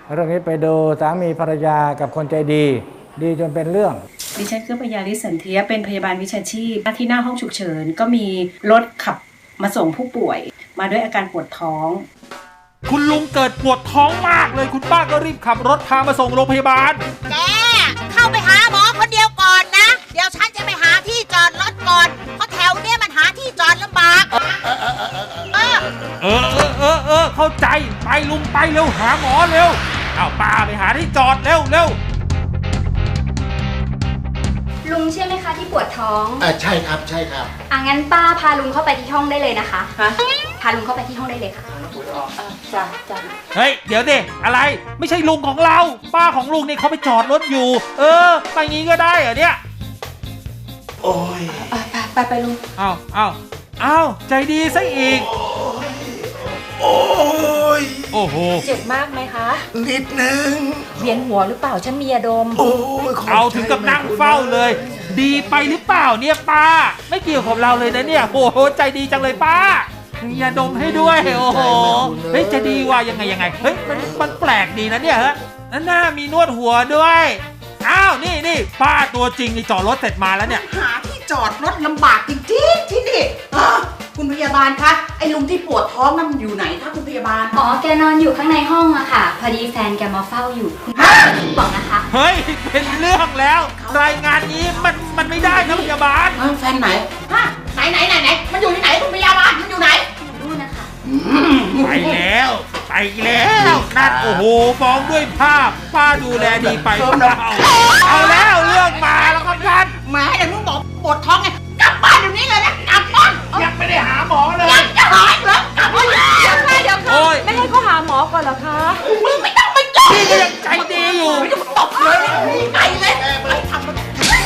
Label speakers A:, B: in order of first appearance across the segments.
A: เรื่องนี้ไปดูสามีภรรยากับคนใจดีดีจนเป็นเรื่อง
B: ดิฉันคือปยาลิสันเทียเป็นพยาบาลวิชาชีพที่หน้าห้องฉุกเฉินก็มีรถขับมาส่งผู้ป่วยมาด้วยอาการปวดท้อง
C: คุณลุงเกิดปวดท้องมากเลยคุณป้าก็รีบขับรถพามาส่งโรงพยาบาล
D: แกเข้าไปหาหมอคนเดียวก่อนนะเดี๋ยวฉันจะไปหาที่จอดรถก่อนเพราะแถวเนี้ยมันหาที่จอดลำบาก
C: เข้าใจไปลุงไปเร็วหาหมอเร็วเอาป้าไปหาที่จอดเร็ว
E: ลุงใช่ไหมคะที่ปวดท้อง
F: ใช่ครับใช่ครับ
E: งั้นป้าพาลุงเข้าไปที่ห้องได้เลยนะคะพาลุงเข้าไปที่ห้องได้เลยค่ะจ้ะ
C: เฮ้ยเดี๋ยวดิอะไรไม่ใช่ลุงของเราป้าของลุงนี่เขาไปจอดรถอยู่ไปงี้ก็ได้เหรอเนี่ย
F: โอ้ย
E: ไปลุง
C: อ้าวใจดีซะอีก
F: โอ้
C: โห
E: เจ็บมากไหมคะ
F: นิดนึง
E: เวียนหัวหรือเปล่าฉันมียาดม
C: เอาถึงกับนั่งเฝ้าเลยดีไปหรือเปล่าเนี่ยป้าไม่เกี่ยวกับเราเลยนะเนี่ยโอ้โหใจดีจังเลยป้ามียาดมให้ด้วยโอ้โหเฮ้ยจะดีว่ายังไงเฮ้ยมันแปลกดีนะเนี่ยฮะหน้ามีนวดหัวด้วยอ้าวนี่ป้าตัวจริงนี่จอดรถเสร็จมาแล้วเนี่ย
D: หาที่จอดรถลำบากจริงๆที่นี่คุณพยาบาลคะไอ้ลุงที่ปวดท้องนั่นอยู่ไหนคะคุณพยาบาล
E: แกนอนอยู่ข้างในห้องอะค่ะพอดีแฟนแกมาเฝ้าอยู่คุณบอกนะคะ
C: เฮ้ยเป็นเรื่องแล้วรายงานนี้มันไม่ได้นะพยาบาล
D: แฟนไหนไหนมันอยู่ที่ไหนคุณพยาบาลมันอยู่ไหน
E: ดูนะคะ
C: ไปแล้วนั่นโอ้โหฟ้องด้วยภาพป้าดูแลดีไปเปล่าเอาแล้วเรื่องมาแล้วครับท่าน
D: แหมเดี๋ยวมึงบอกปวดท้องไงกลับบ้านเดี๋ยวนี้เลยนะกลับบ้าน
C: ยังไม่ได้หาหมอเลย
D: ยังจะหายเหรอกลับบ้านเดี๋ยว
E: ไม่ให้เขาหาหมอก่อนเหรอคะ
D: มึงไม่ต้องมาจ้อง
C: พี่ก็ยังใจดีอยู่
D: ไม่ต้องตบเลยไปเลยไม่ทำมัน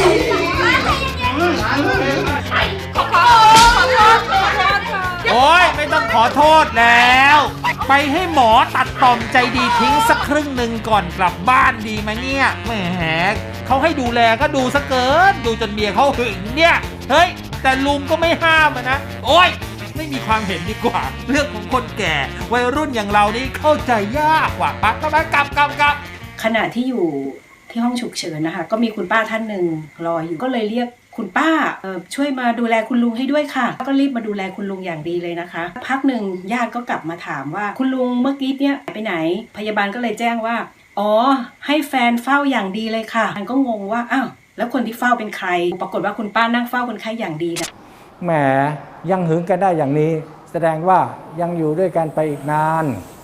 D: ขอโทษ
C: โอ้ยไม่ต้องขอโทษแล้วไปให้หมอตัดต่อมใจดีทิ้งสักครึ่งหนึ่งก่อนกลับบ้านดีไหมเนี่ยแหมเขาให้ดูแลก็ดูซะเกินดูจนเมียเขาหึงเนี่ยเฮ้ยแต่ลุงก็ไม่ห้ามนะโอ้ยไม่มีความเห็นดีกว่าเรื่องของคนแก่วัยรุ่นอย่างเรานี่เข้าใจยากกว่าปั๊บกลับ
B: ขณะที่อยู่ที่ห้องฉุกเฉินนะคะก็มีคุณป้าท่านหนึ่งรออยู่ก็เลยเรียกคุณป้าช่วยมาดูแลคุณลุงให้ด้วยค่ะก็รีบมาดูแลคุณลุงอย่างดีเลยนะคะพักหนึ่งญาติก็กลับมาถามว่าคุณลุงเมื่อกี้เนี่ยไปไหนพยาบาลก็เลยแจ้งว่าให้แฟนเฝ้าอย่างดีเลยค่ะมันก็งงว่าอ้าวแล้วคนที่เฝ้าเป็นใครปรากฏว่าคุณป้านั่งเฝ้าคนไข้อย่างดีนะ
A: แหมยังหึงกันได้อย่างนี้แสดงว่ายังอยู่ด้วยกันไปอีกนาน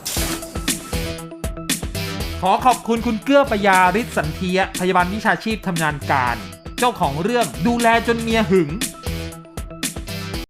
C: ขอขอบคุณคุณเกื้อปยาฤทธิ์สันเทียพยาบาลวิชาชีพทำงานการเจ้าของเรื่องดูแลจนเมียหึง